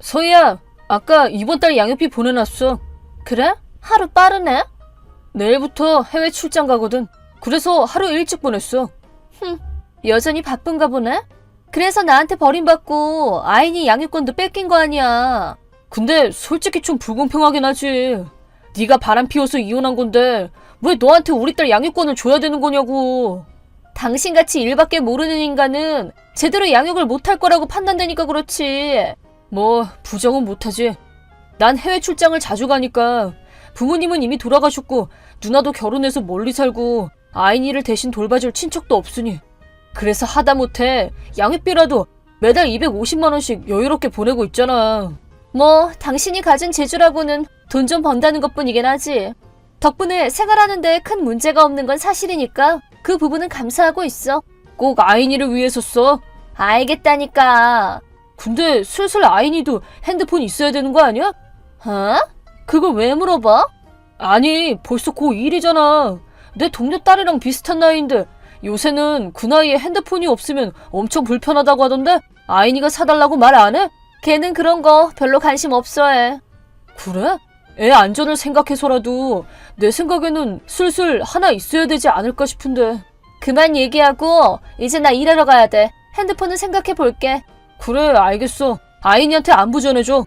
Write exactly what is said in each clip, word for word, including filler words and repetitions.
서희야, 아까 이번 달 양육비 보내놨어. 그래? 하루 빠르네? 내일부터 해외 출장 가거든. 그래서 하루 일찍 보냈어. 흠, 여전히 바쁜가 보네? 그래서 나한테 버림받고 아인이 양육권도 뺏긴 거 아니야. 근데 솔직히 좀 불공평하긴 하지. 네가 바람 피워서 이혼한 건데 왜 너한테 우리 딸 양육권을 줘야 되는 거냐고. 당신같이 일밖에 모르는 인간은 제대로 양육을 못할 거라고 판단되니까 그렇지. 뭐 부정은 못하지. 난 해외 출장을 자주 가니까 부모님은 이미 돌아가셨고 누나도 결혼해서 멀리 살고 아인이를 대신 돌봐줄 친척도 없으니 그래서 하다못해 양육비라도 매달 이백오십만 원씩 여유롭게 보내고 있잖아. 뭐 당신이 가진 재주라고는 돈 좀 번다는 것뿐이긴 하지. 덕분에 생활하는데 큰 문제가 없는 건 사실이니까 그 부분은 감사하고 있어. 꼭 아인이를 위해서 써. 알겠다니까. 근데 슬슬 아인이도 핸드폰 있어야 되는 거 아니야? 어? 그걸 왜 물어봐? 아니 벌써 고일이잖아. 내 동료 딸이랑 비슷한 나이인데 요새는 그 나이에 핸드폰이 없으면 엄청 불편하다고 하던데 아인이가 사달라고 말 안 해? 걔는 그런 거 별로 관심 없어 해. 그래? 애 안전을 생각해서라도 내 생각에는 슬슬 하나 있어야 되지 않을까 싶은데. 그만 얘기하고 이제 나 일하러 가야 돼. 핸드폰은 생각해 볼게. 그래 알겠어. 아인이한테 안부 전해줘.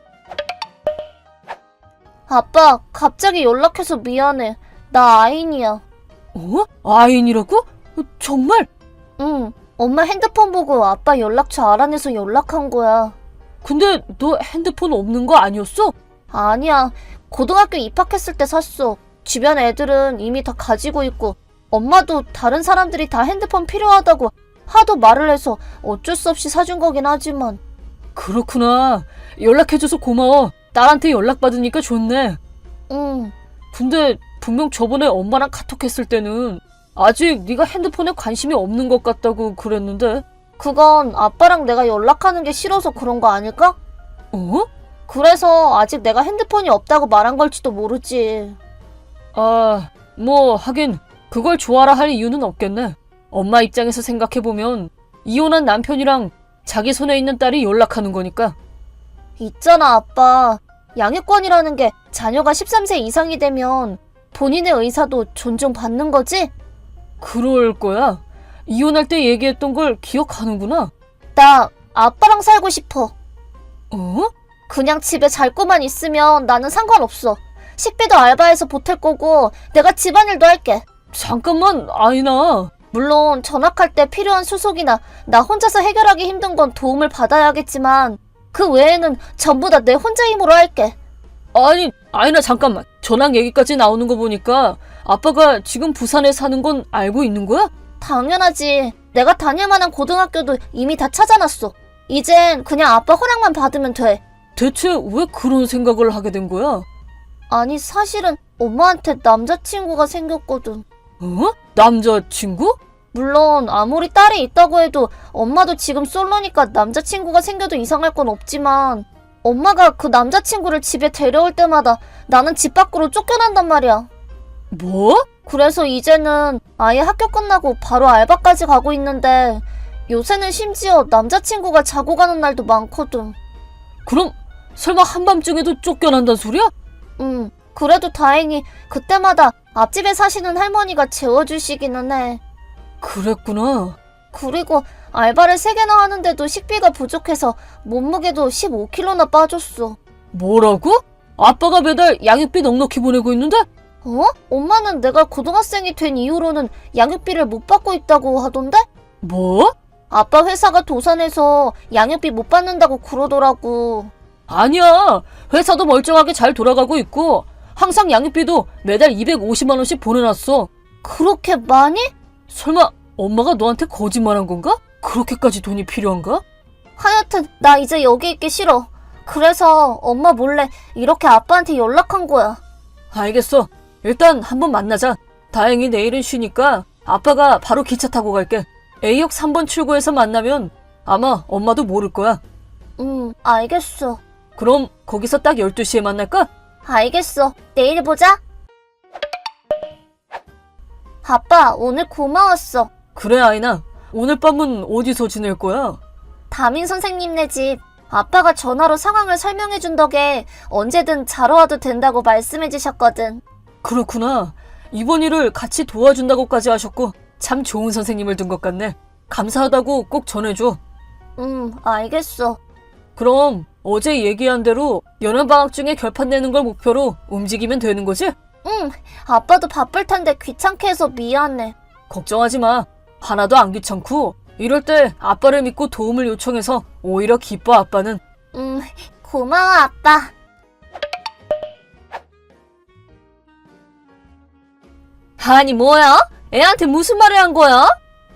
아빠 갑자기 연락해서 미안해. 나 아인이야. 어? 아인이라고? 정말? 응. 엄마 핸드폰 보고 아빠 연락처 알아내서 연락한 거야. 근데 너 핸드폰 없는 거 아니었어? 아니야. 고등학교 입학했을 때 샀어. 주변 애들은 이미 다 가지고 있고 엄마도 다른 사람들이 다 핸드폰 필요하다고 하도 말을 해서 어쩔 수 없이 사준 거긴 하지만. 그렇구나. 연락해줘서 고마워. 딸한테 연락받으니까 좋네. 응. 근데 분명 저번에 엄마랑 카톡했을 때는 아직 네가 핸드폰에 관심이 없는 것 같다고 그랬는데. 그건 아빠랑 내가 연락하는 게 싫어서 그런 거 아닐까? 어? 그래서 아직 내가 핸드폰이 없다고 말한 걸지도 모르지. 아, 뭐 하긴 그걸 좋아라 할 이유는 없겠네. 엄마 입장에서 생각해보면 이혼한 남편이랑 자기 손에 있는 딸이 연락하는 거니까. 있잖아 아빠. 양육권이라는 게 자녀가 십삼 세 이상이 되면 본인의 의사도 존중받는 거지? 그럴 거야. 이혼할 때 얘기했던 걸 기억하는구나. 나 아빠랑 살고 싶어. 어? 그냥 집에 잘 거만 있으면 나는 상관없어. 식비도 알바해서 보탤 거고 내가 집안일도 할게. 잠깐만 아이나. 물론 전학할 때 필요한 수속이나 나 혼자서 해결하기 힘든 건 도움을 받아야겠지만 그 외에는 전부 다 내 혼자 힘으로 할게. 아니 아이나 잠깐만. 전학 얘기까지 나오는 거 보니까 아빠가 지금 부산에 사는 건 알고 있는 거야? 당연하지. 내가 다닐 만한 고등학교도 이미 다 찾아놨어. 이젠 그냥 아빠 허락만 받으면 돼. 대체 왜 그런 생각을 하게 된 거야? 아니 사실은 엄마한테 남자친구가 생겼거든. 어? 남자친구? 물론 아무리 딸이 있다고 해도 엄마도 지금 솔로니까 남자친구가 생겨도 이상할 건 없지만 엄마가 그 남자친구를 집에 데려올 때마다 나는 집 밖으로 쫓겨난단 말이야. 뭐? 그래서 이제는 아예 학교 끝나고 바로 알바까지 가고 있는데 요새는 심지어 남자친구가 자고 가는 날도 많거든. 그럼 설마 한밤중에도 쫓겨난단 소리야? 응. 그래도 다행히 그때마다 앞집에 사시는 할머니가 재워주시기는 해. 그랬구나. 그리고 알바를 세 개나 하는데도 식비가 부족해서 몸무게도 십오 킬로그램나 빠졌어. 뭐라고? 아빠가 매달 양육비 넉넉히 보내고 있는데? 어? 엄마는 내가 고등학생이 된 이후로는 양육비를 못 받고 있다고 하던데? 뭐? 아빠 회사가 도산해서 양육비 못 받는다고 그러더라고. 아니야. 회사도 멀쩡하게 잘 돌아가고 있고 항상 양육비도 매달 이백오십만 원씩 보내놨어. 그렇게 많이? 설마 엄마가 너한테 거짓말한 건가? 그렇게까지 돈이 필요한가? 하여튼 나 이제 여기 있기 싫어. 그래서 엄마 몰래 이렇게 아빠한테 연락한 거야. 알겠어. 일단 한번 만나자. 다행히 내일은 쉬니까 아빠가 바로 기차 타고 갈게. A역 삼 번 출구에서 만나면 아마 엄마도 모를 거야. 응, 알겠어. 그럼 거기서 딱 열두 시에 만날까? 알겠어. 내일 보자. 아빠, 오늘 고마웠어. 그래, 아이나. 오늘 밤은 어디서 지낼 거야? 담임 선생님네 집. 아빠가 전화로 상황을 설명해준 덕에 언제든 자러 와도 된다고 말씀해주셨거든. 그렇구나. 이번 일을 같이 도와준다고까지 하셨고 참 좋은 선생님을 둔 것 같네. 감사하다고 꼭 전해줘. 응, 알겠어. 그럼 어제 얘기한 대로 여름방학 중에 결판 내는 걸 목표로 움직이면 되는 거지? 응, 아빠도 바쁠 텐데 귀찮게 해서 미안해. 걱정하지 마. 하나도 안 귀찮고 이럴 때 아빠를 믿고 도움을 요청해서 오히려 기뻐. 아빠는. 음, 고마워, 아빠. 아니 뭐야? 애한테 무슨 말을 한 거야?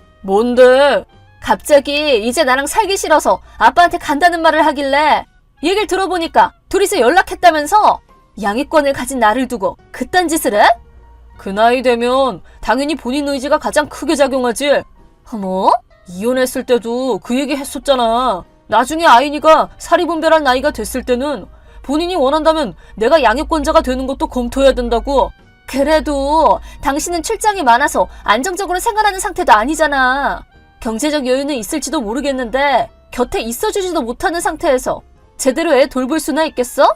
뭔데? 갑자기 이제 나랑 살기 싫어서 아빠한테 간다는 말을 하길래 얘기를 들어보니까 둘이서 연락했다면서 양육권을 가진 나를 두고 그딴 짓을 해? 그 나이 되면 당연히 본인 의지가 가장 크게 작용하지. 뭐? 이혼했을 때도 그 얘기 했었잖아. 나중에 아이니가 사리분별할 나이가 됐을 때는 본인이 원한다면 내가 양육권자가 되는 것도 검토해야 된다고. 그래도 당신은 출장이 많아서 안정적으로 생활하는 상태도 아니잖아. 경제적 여유는 있을지도 모르겠는데 곁에 있어주지도 못하는 상태에서 제대로 애 돌볼 수나 있겠어?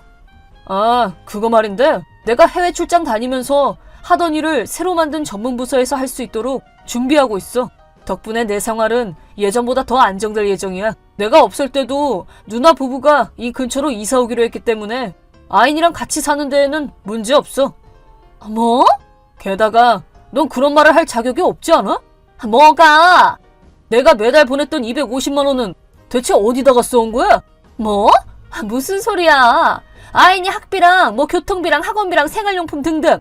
아, 그거 말인데 내가 해외 출장 다니면서 하던 일을 새로 만든 전문 부서에서 할 수 있도록 준비하고 있어. 덕분에 내 생활은 예전보다 더 안정될 예정이야. 내가 없을 때도 누나 부부가 이 근처로 이사 오기로 했기 때문에 아인이랑 같이 사는 데에는 문제 없어. 뭐? 게다가 넌 그런 말을 할 자격이 없지 않아? 뭐가? 내가 매달 보냈던 이백오십만 원은 대체 어디다가 써온 거야? 뭐? 무슨 소리야. 아인이 학비랑 뭐 교통비랑 학원비랑 생활용품 등등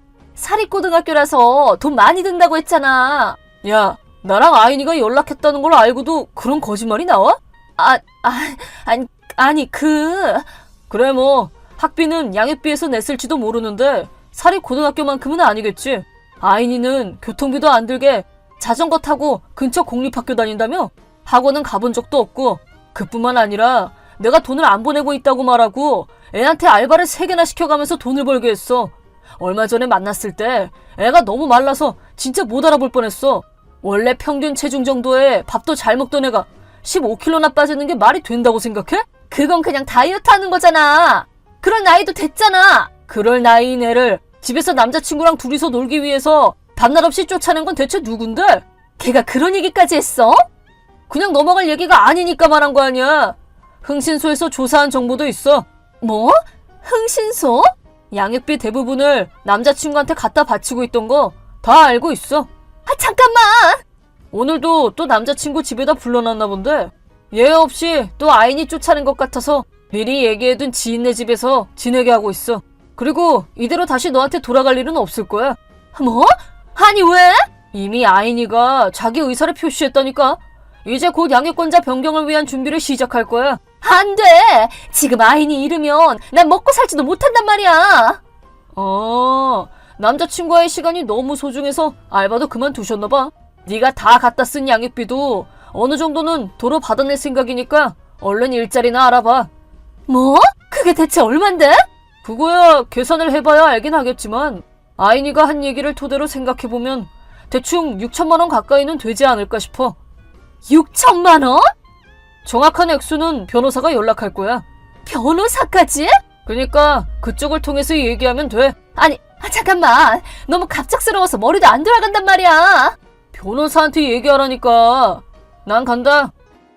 사립고등학교라서 돈 많이 든다고 했잖아. 야, 나랑 아인이가 연락했다는 걸 알고도 그런 거짓말이 나와? 아, 아, 아니, 아니 그... 그래 뭐 학비는 양육비에서 냈을지도 모르는데 사립고등학교만큼은 아니겠지. 아인이는 교통비도 안 들게 자전거 타고 근처 공립학교 다닌다며? 학원은 가본 적도 없고 그뿐만 아니라 내가 돈을 안 보내고 있다고 말하고 애한테 알바를 세 개나 시켜가면서 돈을 벌게 했어. 얼마 전에 만났을 때 애가 너무 말라서 진짜 못 알아볼 뻔했어. 원래 평균 체중 정도에 밥도 잘 먹던 애가 십오 킬로그램나 빠지는 게 말이 된다고 생각해? 그건 그냥 다이어트 하는 거잖아. 그럴 나이도 됐잖아. 그럴 나이인 애를 집에서 남자친구랑 둘이서 놀기 위해서 밤낮 없이 쫓아낸 건 대체 누군데? 걔가 그런 얘기까지 했어? 그냥 넘어갈 얘기가 아니니까 말한 거 아니야. 흥신소에서 조사한 정보도 있어. 뭐? 흥신소? 양육비 대부분을 남자친구한테 갖다 바치고 있던 거 다 알고 있어. 아, 잠깐만! 오늘도 또 남자친구 집에다 불러놨나 본데 예외 없이 또 아인이 쫓아낸 것 같아서 미리 얘기해둔 지인네 집에서 지내게 하고 있어. 그리고 이대로 다시 너한테 돌아갈 일은 없을 거야. 뭐? 아니 왜? 이미 아인이가 자기 의사를 표시했다니까. 이제 곧 양육권자 변경을 위한 준비를 시작할 거야. 안 돼! 지금 아인이 이르면 난 먹고 살지도 못한단 말이야. 어, 남자친구와의 시간이 너무 소중해서 알바도 그만두셨나봐. 네가 다 갖다 쓴 양육비도 어느 정도는 도로 받아낼 생각이니까 얼른 일자리나 알아봐. 뭐? 그게 대체 얼만데? 그거야 계산을 해봐야 알긴 하겠지만 아인이가 한 얘기를 토대로 생각해보면 대충 육천만 원 가까이는 되지 않을까 싶어. 육천만 원? 정확한 액수는 변호사가 연락할 거야. 변호사까지? 그니까 그쪽을 통해서 얘기하면 돼. 아니, 아, 잠깐만. 너무 갑작스러워서 머리도 안 돌아간단 말이야. 변호사한테 얘기하라니까. 난 간다.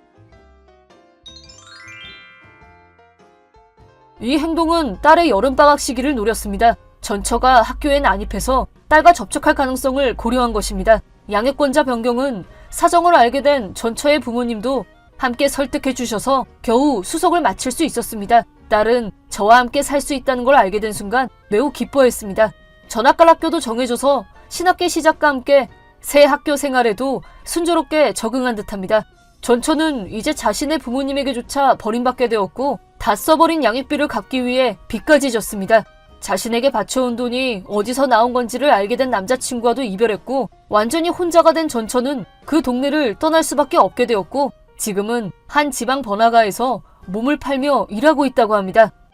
이 행동은 딸의 여름방학 시기를 노렸습니다. 전처가 학교에 난입해서 딸과 접촉할 가능성을 고려한 것입니다. 양육권자 변경은 사정을 알게 된 전처의 부모님도 함께 설득해 주셔서 겨우 수속을 마칠 수 있었습니다. 딸은 저와 함께 살 수 있다는 걸 알게 된 순간 매우 기뻐했습니다. 전학갈 학교도 정해줘서 신학기 시작과 함께 새 학교 생활에도 순조롭게 적응한 듯합니다. 전처는 이제 자신의 부모님에게조차 버림받게 되었고 다 써버린 양육비를 갚기 위해 빚까지 졌습니다. 자신에게 바쳐온 돈이 어디서 나온 건지를 알게 된 남자친구와도 이별했고 완전히 혼자가 된 전처는 그 동네를 떠날 수밖에 없게 되었고 지금은 한 지방 번화가에서 몸을 팔며 일하고 있다고 합니다.